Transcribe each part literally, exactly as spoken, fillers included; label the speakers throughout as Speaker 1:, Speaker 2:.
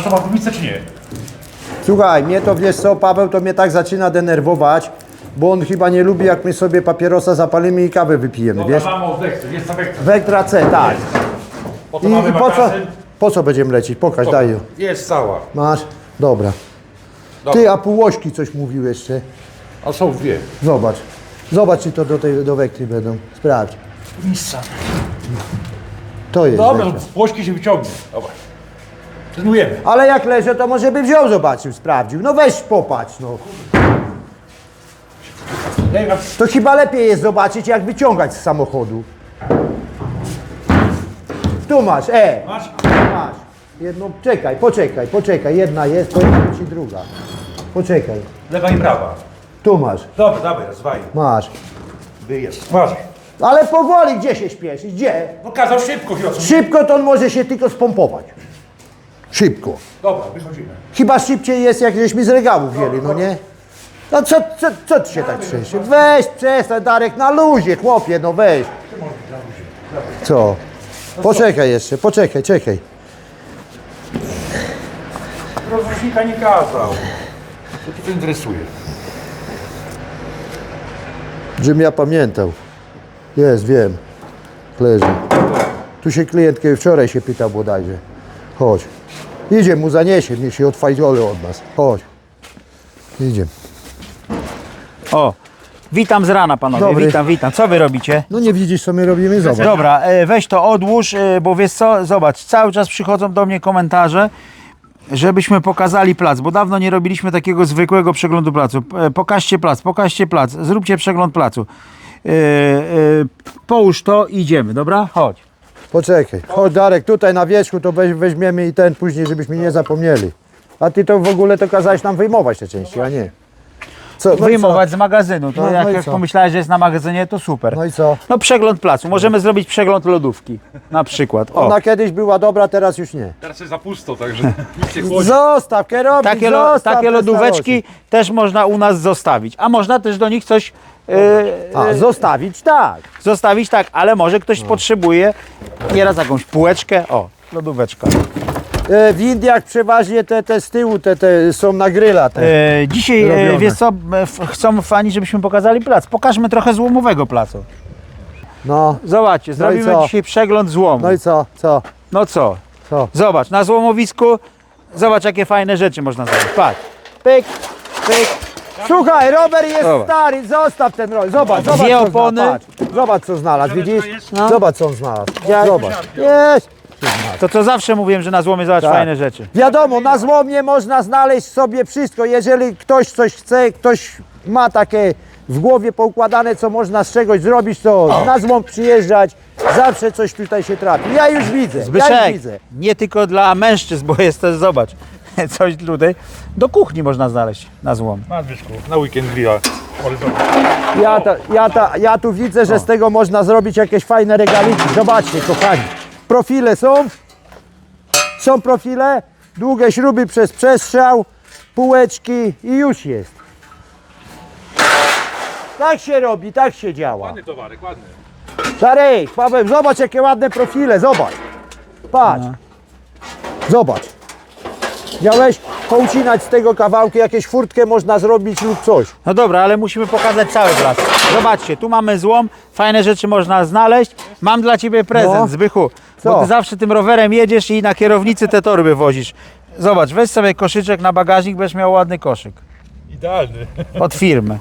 Speaker 1: to ma gumicę czy nie?
Speaker 2: Słuchaj, mnie to, wiesz co, Paweł, to mnie tak zaczyna denerwować, bo on chyba nie lubi, jak my sobie papierosa zapalimy i kawę wypijemy,
Speaker 1: Dobra,
Speaker 2: wiesz?
Speaker 1: mamy od Vectra, jest ta Vectra.
Speaker 2: Vectra C, tak.
Speaker 1: Po to
Speaker 2: I,
Speaker 1: mamy
Speaker 2: i po co,
Speaker 1: magazyn.
Speaker 2: po co będziemy lecieć? Pokaż, daj ją.
Speaker 1: Jest cała.
Speaker 2: Masz? Dobra.
Speaker 1: Dobra.
Speaker 2: Ty, a półłośki coś mówił jeszcze.
Speaker 1: A są dwie.
Speaker 2: Zobacz. Zobacz, czy to do tej do Vectry będą. Sprawdź.
Speaker 1: Mistrza.
Speaker 2: To jest
Speaker 1: Dobra,
Speaker 2: Vectra.
Speaker 1: płośki się wyciągnie. Dobra. Trenujemy.
Speaker 2: Ale jak leży, to może by wziął, zobaczył, sprawdził. No weź popatrz, no.
Speaker 1: Daj nam.
Speaker 2: To chyba lepiej jest zobaczyć, jak wyciągać z samochodu. Tu masz, e.
Speaker 1: Masz?
Speaker 2: Masz. Jedną, czekaj, poczekaj, poczekaj. Jedna jest, pojawi ci druga. Poczekaj.
Speaker 1: Lewa i prawa.
Speaker 2: Tu masz,
Speaker 1: Dobra, dawaj, rozwaj.
Speaker 2: masz.
Speaker 1: Wyjazd. Masz.
Speaker 2: Ale powoli, gdzie się śpieszysz? Gdzie?
Speaker 1: No kazał szybko, wiosło.
Speaker 2: Szybko to on może się tylko spompować. Szybko.
Speaker 1: Dobra, wychodzimy.
Speaker 2: Chyba szybciej jest, jak żeśmy z regału wzięli, no nie? No co, co, co ty się tak trzęsie? Weź, przestań, Darek, na luzie, chłopie, no weź. Co? Poczekaj jeszcze, poczekaj, czekaj.
Speaker 1: Rozrusznika nie kazał. Co cię to interesuje?
Speaker 2: Żebym ja pamiętał. Jest, wiem. Leży. Tu się klientkę wczoraj się pytał bodajże. Chodź. Idzie mu zaniesie, niech się odfajdzole od nas. Chodź. Idzie.
Speaker 3: O, witam z rana panowie,
Speaker 2: Dobry.
Speaker 3: witam, witam. Co wy robicie?
Speaker 2: No nie widzisz, co my robimy? Zobacz.
Speaker 3: Dobra, e, weź to odłóż, e, bo wiesz co, zobacz, cały czas przychodzą do mnie komentarze, żebyśmy pokazali plac, bo dawno nie robiliśmy takiego zwykłego przeglądu placu. E, Pokażcie plac, pokażcie plac, zróbcie przegląd placu. E, e, Połóż to i idziemy, dobra? Chodź.
Speaker 2: Poczekaj. Chodź, Darek, tutaj na wierzchu to weź, weźmiemy i ten później, żebyśmy nie zapomnieli. A ty to w ogóle to kazałeś nam wyjmować te części, a nie. Co? No i co?
Speaker 3: Wyjmować z magazynu, to
Speaker 2: No,
Speaker 3: jak,
Speaker 2: no i
Speaker 3: jak
Speaker 2: co?
Speaker 3: pomyślałeś, że jest na magazynie, to super.
Speaker 2: No i co?
Speaker 3: No przegląd placu, możemy zrobić przegląd lodówki, na przykład. O.
Speaker 2: Ona kiedyś była dobra, teraz już nie.
Speaker 1: Teraz jest za pusto, także nic się chłodzi.
Speaker 2: Zostaw, kierownik,
Speaker 3: Takie, lo,
Speaker 2: zostaw
Speaker 3: takie
Speaker 2: te
Speaker 3: lodóweczki też można u nas zostawić, a można też do nich coś e,
Speaker 2: A,
Speaker 3: e,
Speaker 2: zostawić, tak.
Speaker 3: zostawić, tak, ale może ktoś potrzebuje nieraz jakąś półeczkę, o, lodóweczka.
Speaker 2: E, w Indiach przeważnie te, te z tyłu te, te są na gryla. Te.
Speaker 3: E, dzisiaj, e,
Speaker 2: Robione.
Speaker 3: wiesz co, e, f- chcą fani, żebyśmy pokazali plac. Pokażmy trochę złomowego placu.
Speaker 2: No,
Speaker 3: Zobaczcie, zrobimy
Speaker 2: co?
Speaker 3: dzisiaj przegląd złomu.
Speaker 2: no i co, co,
Speaker 3: No co?
Speaker 2: co?
Speaker 3: Zobacz, na złomowisku, zobacz jakie fajne rzeczy można zrobić. Patrz, pyk, pyk.
Speaker 2: Słuchaj, rower jest
Speaker 3: Zobacz.
Speaker 2: stary, zostaw ten rower, zobacz, zobacz
Speaker 3: Dwie
Speaker 2: co
Speaker 3: opony.
Speaker 2: znalazł, patrz. Zobacz co znalazł, widzisz?
Speaker 3: No.
Speaker 2: Zobacz co on znalazł,
Speaker 3: Ja-
Speaker 2: zobacz. Jest.
Speaker 3: To co zawsze mówiłem, że na złomie zobacz
Speaker 2: Tak.
Speaker 3: fajne rzeczy.
Speaker 2: Wiadomo, na złomie można znaleźć sobie wszystko, jeżeli ktoś coś chce, ktoś ma takie w głowie poukładane, co można z czegoś zrobić, to na złom przyjeżdżać, zawsze coś tutaj się trafi. Ja już widzę, ja już
Speaker 3: Zbyszek,
Speaker 2: widzę.
Speaker 3: nie tylko dla mężczyzn, bo jest też, zobacz, coś tutaj, do kuchni można znaleźć na złom.
Speaker 1: Na Zbyszku, na weekend grilla. Ale zobacz.
Speaker 2: Ja, ta, ja, ta, ja tu widzę, że z tego można zrobić jakieś fajne regaliki. Zobaczcie, kochani. Profile są. Są profile. Długie śruby przez przestrzał. Półeczki i już jest. Tak się robi, tak się działa.
Speaker 1: Ładny towarek, ładny.
Speaker 2: Darek, Paweł, zobacz jakie ładne profile, zobacz. Patrz. Zobacz. Miałeś poucinać z tego kawałki, jakieś furtkę można zrobić lub coś.
Speaker 3: No dobra, ale musimy pokazać cały plac. Zobaczcie, tu mamy złom, fajne rzeczy można znaleźć. Mam dla ciebie prezent,
Speaker 2: No.
Speaker 3: Zbychu,
Speaker 2: Co?
Speaker 3: bo ty zawsze tym rowerem jedziesz i na kierownicy te torby wozisz. Zobacz, weź sobie koszyczek na bagażnik, będziesz miał ładny koszyk.
Speaker 1: Idealny.
Speaker 3: Od firmy.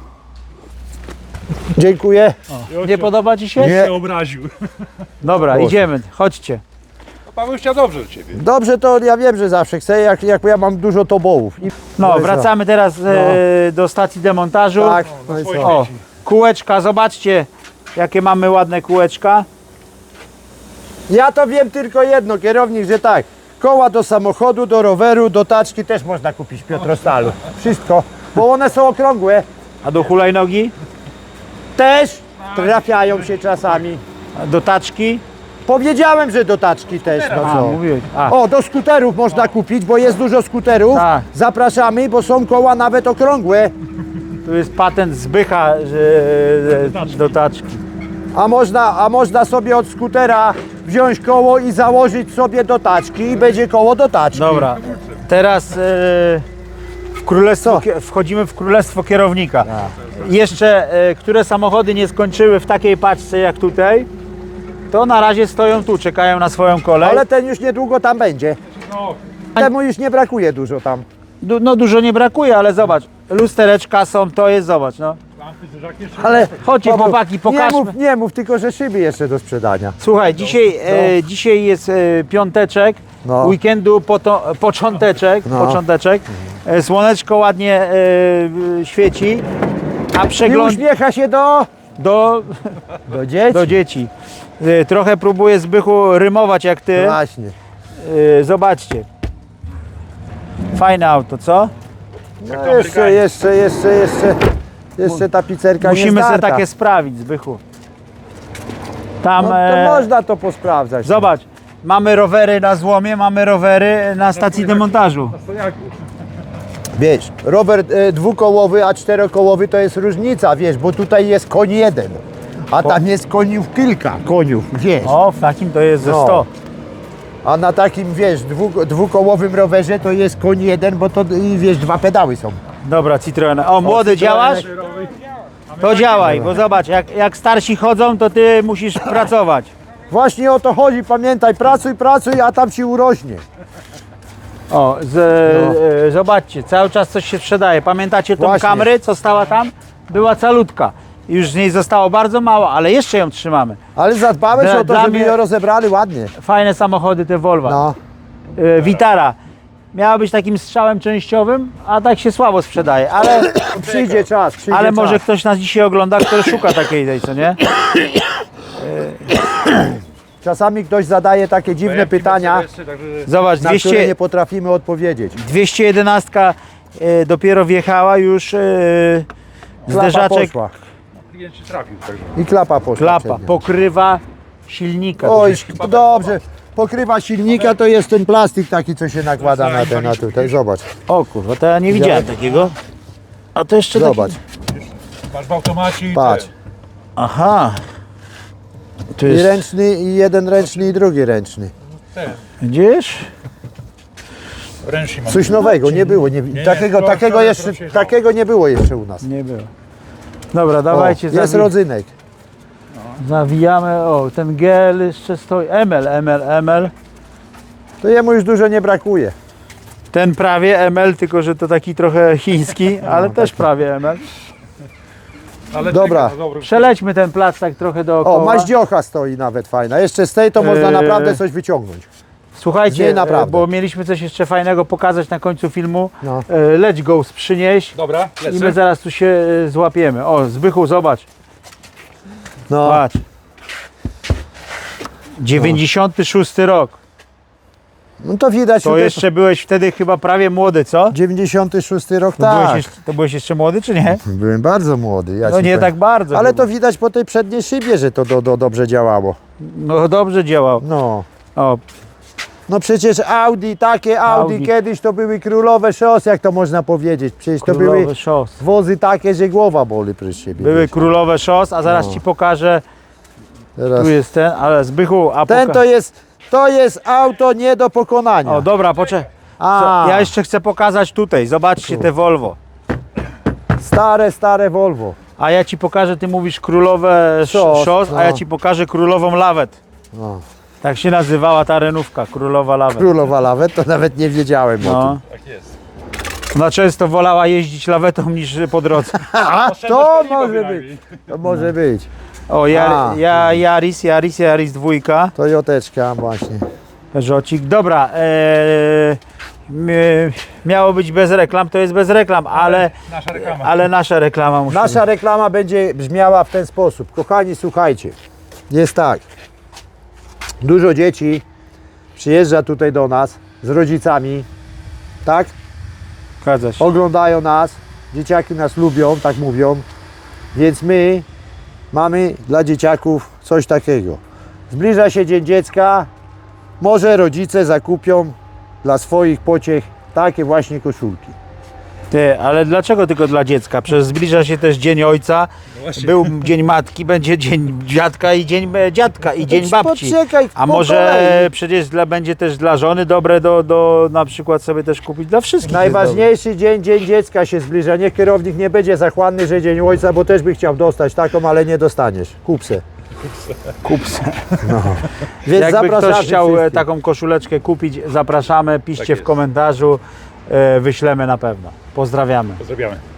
Speaker 2: Dziękuję.
Speaker 3: Nie podoba ci się?
Speaker 2: Nie.
Speaker 1: się obraził.
Speaker 3: Dobra,
Speaker 2: Proszę.
Speaker 3: idziemy, chodźcie.
Speaker 1: No, Paweł chciał dobrze do ciebie.
Speaker 2: Dobrze, to ja wiem, że zawsze chcę, jak, jak ja mam dużo tobołów. I...
Speaker 3: No,
Speaker 2: i co?
Speaker 3: wracamy teraz e, do stacji demontażu.
Speaker 2: Tak, no i
Speaker 1: swoje
Speaker 2: co?
Speaker 3: O, kółeczka, zobaczcie, jakie mamy ładne kółeczka.
Speaker 2: Ja to wiem tylko jedno, kierownik, że tak. Koła do samochodu, do roweru, do taczki też można kupić w Piotrostalu. Wszystko, bo one są okrągłe.
Speaker 3: A do hulajnogi?
Speaker 2: Też trafiają się czasami.
Speaker 3: A do taczki?
Speaker 2: Powiedziałem, że do taczki też, no
Speaker 3: A,
Speaker 2: co.
Speaker 3: mówiłeś. A,
Speaker 2: O, do skuterów można kupić, bo jest dużo skuterów.
Speaker 3: Tak.
Speaker 2: Zapraszamy, bo są koła nawet okrągłe.
Speaker 3: tu jest patent Zbycha, że, że do taczki.
Speaker 2: A można, a można sobie od skutera wziąć koło i założyć sobie do taczki i będzie koło do taczki.
Speaker 3: Dobra, teraz e, w królestwo, kie- wchodzimy w królestwo kierownika. Jeszcze, e, które samochody nie skończyły w takiej paczce jak tutaj, to na razie stoją tu, czekają na swoją kolej.
Speaker 2: Ale ten już niedługo tam będzie.
Speaker 1: No,
Speaker 2: Temu już nie brakuje dużo tam.
Speaker 3: Du, no dużo nie brakuje, ale zobacz, lustereczka są, to jest, zobacz, no.
Speaker 1: lampy, dużaki jeszcze.
Speaker 2: Ale
Speaker 3: Chodźcie,
Speaker 2: Paweł,
Speaker 3: chłopaki,
Speaker 2: nie
Speaker 3: pokażmy.
Speaker 2: mów, nie mów, tylko że szyby jeszcze do sprzedania.
Speaker 3: Słuchaj, dzisiaj, e, dzisiaj jest e, piąteczek,
Speaker 2: No.
Speaker 3: weekendu poto, począteczek,
Speaker 2: No.
Speaker 3: począteczek. E, słoneczko ładnie e, świeci, a
Speaker 2: I
Speaker 3: przegląd
Speaker 2: uśmiecha się do,
Speaker 3: do,
Speaker 2: do dzieci.
Speaker 3: do dzieci. E, trochę próbuję Zbychu rymować jak ty.
Speaker 2: Właśnie.
Speaker 3: E, zobaczcie. Fajne auto, co?
Speaker 2: No jeszcze, jeszcze, jeszcze, jeszcze, jeszcze ta pizzerka
Speaker 3: Musimy
Speaker 2: nie
Speaker 3: sobie
Speaker 2: zdarta.
Speaker 3: takie sprawić, Zbychu. Tam,
Speaker 2: No to
Speaker 3: e,
Speaker 2: można to posprawdzać.
Speaker 3: zobacz, mamy rowery na złomie, mamy rowery na stacji demontażu.
Speaker 1: Na stojaki.
Speaker 2: Wiesz, rower e, dwukołowy, a czterokołowy to jest różnica, wiesz, bo tutaj jest koń jeden, a tam jest koniów kilka koniów, wiesz.
Speaker 3: O, w takim to jest ze
Speaker 2: No.
Speaker 3: sto.
Speaker 2: A na takim, wiesz, dwu, dwukołowym rowerze to jest koń jeden, bo to, i wiesz, dwa pedały są.
Speaker 3: Dobra, Citroen. O, młody, działasz? To działaj, bo zobacz, jak, jak starsi chodzą, to ty musisz pracować.
Speaker 2: Właśnie o to chodzi, pamiętaj, pracuj, pracuj, a tam ci urośnie.
Speaker 3: O, z, e, zobaczcie, cały czas coś się sprzedaje. Pamiętacie tą
Speaker 2: Właśnie.
Speaker 3: kamerę, co stała tam? Była calutka. Już z niej zostało bardzo mało, ale jeszcze ją trzymamy.
Speaker 2: Ale zadbałeś
Speaker 3: Dla-
Speaker 2: o to,
Speaker 3: dla
Speaker 2: żeby
Speaker 3: mnie-
Speaker 2: ją rozebrali ładnie.
Speaker 3: Fajne samochody te Volvo.
Speaker 2: No.
Speaker 3: E, Vitara. Miała być takim strzałem częściowym, a tak się słabo sprzedaje, ale,
Speaker 2: Przyjdzie czas, przyjdzie
Speaker 3: ale
Speaker 2: czas.
Speaker 3: może ktoś nas dzisiaj ogląda, który szuka takiej tej, co nie?
Speaker 2: Czasami ktoś zadaje takie dziwne pytania,
Speaker 3: Zobacz,
Speaker 2: na które
Speaker 3: dwieście,
Speaker 2: nie potrafimy odpowiedzieć.
Speaker 3: dwieście jedenaście e, dopiero wjechała już e,
Speaker 2: Klapa
Speaker 3: zderzaczek,
Speaker 2: poszła.
Speaker 1: Klient się trafił, także.
Speaker 2: I klapa poszła.
Speaker 3: klapa,
Speaker 2: przednia.
Speaker 3: pokrywa silnika.
Speaker 2: Oj, to dobrze. Pokrywa silnika to jest ten plastik taki, co się nakłada na ten, na tutaj. Zobacz,
Speaker 3: O kurwa, to ja nie widziałem takiego. A to jeszcze
Speaker 2: zobacz,
Speaker 3: Taki...
Speaker 1: Masz w automacie i
Speaker 2: patrz.
Speaker 1: ten.
Speaker 3: Aha. To
Speaker 2: I
Speaker 3: jest...
Speaker 2: ręczny, i jeden ręczny, i drugi ręczny.
Speaker 1: ten.
Speaker 3: Widzisz?
Speaker 1: Ręcznik mam.
Speaker 2: Coś nowego, nie było. Nie,
Speaker 1: nie,
Speaker 2: takiego,
Speaker 1: to-
Speaker 2: takiego,
Speaker 1: to- to
Speaker 2: jeszcze,
Speaker 1: się-
Speaker 2: takiego nie było jeszcze u nas.
Speaker 3: Nie było. Dobra,
Speaker 2: O,
Speaker 3: dawajcie,
Speaker 2: jest
Speaker 3: zawi...
Speaker 2: rodzynek.
Speaker 3: zawijamy. O, ten gel jeszcze stoi. M L, M L, M L.
Speaker 2: To jemu już dużo nie brakuje.
Speaker 3: Ten prawie M L, tylko że to taki trochę chiński, ale też prawie M L.
Speaker 1: Ale
Speaker 2: Dobra.
Speaker 1: czekaj, no dobra.
Speaker 3: Przelećmy ten plac tak trochę
Speaker 2: O,
Speaker 3: dookoła.
Speaker 2: maździocha stoi nawet fajna. Jeszcze z tej to można
Speaker 3: Eee.
Speaker 2: naprawdę coś wyciągnąć. Z
Speaker 3: Słuchajcie,
Speaker 2: niej naprawdę.
Speaker 3: e, bo mieliśmy coś jeszcze fajnego pokazać na końcu filmu.
Speaker 2: No.
Speaker 3: E, Leć go przynieść
Speaker 1: Dobra,
Speaker 3: i my
Speaker 1: lecę.
Speaker 3: zaraz tu się e, złapiemy. O, Zbychu, zobacz.
Speaker 2: No,
Speaker 3: Patrz. dziewięćdziesiąty szósty rok.
Speaker 2: no to widać.
Speaker 3: To
Speaker 2: tutaj-
Speaker 3: jeszcze byłeś wtedy chyba prawie młody, co?
Speaker 2: dziewięćdziesiąty szósty rok,
Speaker 3: To, byłeś,
Speaker 2: tak.
Speaker 3: jeszcze, to byłeś jeszcze młody, czy nie?
Speaker 2: Byłem bardzo młody. Ja
Speaker 3: No
Speaker 2: ci
Speaker 3: nie
Speaker 2: powiem.
Speaker 3: tak bardzo.
Speaker 2: Ale
Speaker 3: chyba.
Speaker 2: to widać po tej przedniej szybie, że to do, do, dobrze działało.
Speaker 3: No dobrze działał.
Speaker 2: No.
Speaker 3: O,
Speaker 2: No przecież Audi, takie Audi,
Speaker 3: Audi.
Speaker 2: kiedyś to były królowe szos, jak to można powiedzieć. Przecież to były
Speaker 3: królowe szos.
Speaker 2: wozy takie, że głowa boli przez siebie.
Speaker 3: Były
Speaker 2: wiesz.
Speaker 3: królowe szos, a zaraz
Speaker 2: No.
Speaker 3: ci pokażę.
Speaker 2: Teraz.
Speaker 3: Tu jest ten, ale Zbychu, a
Speaker 2: Ten
Speaker 3: poka-
Speaker 2: to jest, to jest auto nie do pokonania.
Speaker 3: O, dobra, poczekaj.
Speaker 2: A,
Speaker 3: Ja jeszcze chcę pokazać tutaj. Zobaczcie te Volvo.
Speaker 2: stare, stare Volvo.
Speaker 3: A ja ci pokażę, ty mówisz królowe sz-
Speaker 2: Szos,
Speaker 3: szos,
Speaker 2: no.
Speaker 3: a ja ci pokażę królową lawet.
Speaker 2: No.
Speaker 3: Tak się nazywała ta renówka, królowa lawet.
Speaker 2: Królowa lawet, to nawet nie wiedziałem o
Speaker 3: No.
Speaker 2: tym.
Speaker 1: Tak jest.
Speaker 3: Ona często wolała jeździć lawetą niż po drodze.
Speaker 2: A,
Speaker 1: Oszczędność
Speaker 2: to
Speaker 1: paliwa
Speaker 2: może
Speaker 1: bynajmniej.
Speaker 2: być. To może być.
Speaker 3: O, ja,
Speaker 2: A.
Speaker 3: ja, Yaris, Yaris, Yaris dwójka.
Speaker 2: Toyoteczka właśnie.
Speaker 3: Peugeotik. Dobra, e, m- miało być bez reklam, to jest bez reklam, ale,
Speaker 1: Nasza reklama.
Speaker 3: ale nasza reklama musi
Speaker 2: Nasza reklama będzie brzmiała w ten sposób. Kochani, słuchajcie. Jest tak. Dużo dzieci przyjeżdża tutaj do nas z rodzicami, tak?
Speaker 3: Zgadza się.
Speaker 2: Oglądają nas, dzieciaki nas lubią, tak mówią, więc my mamy dla dzieciaków coś takiego. Zbliża się Dzień Dziecka, może rodzice zakupią dla swoich pociech takie właśnie koszulki.
Speaker 3: Ty, ale dlaczego tylko dla dziecka? Przecież zbliża się też Dzień Ojca, był Dzień Matki, będzie Dzień Dziadka i Dzień e, Dziadka i Dzień Babci.
Speaker 2: Poczekaj,
Speaker 3: A
Speaker 2: po
Speaker 3: może
Speaker 2: kolei.
Speaker 3: przecież dla, będzie też dla żony dobre do, do na przykład sobie też kupić dla wszystkich. jest
Speaker 2: Najważniejszy dzień, dzień dziecka się zbliża. Niech kierownik nie będzie zachłanny, że dzień ojca, bo też by chciał dostać taką, ale nie dostaniesz. Kup se.
Speaker 3: dobre. Kup se.
Speaker 2: Więc
Speaker 3: Jakby
Speaker 2: zapraszamy
Speaker 3: ktoś chciał e,
Speaker 2: wszystkich.
Speaker 3: taką koszuleczkę kupić, zapraszamy, piszcie
Speaker 1: Tak
Speaker 3: w
Speaker 1: jest.
Speaker 3: komentarzu, e, wyślemy na pewno. Pozdrawiamy.
Speaker 1: Pozdrawiamy.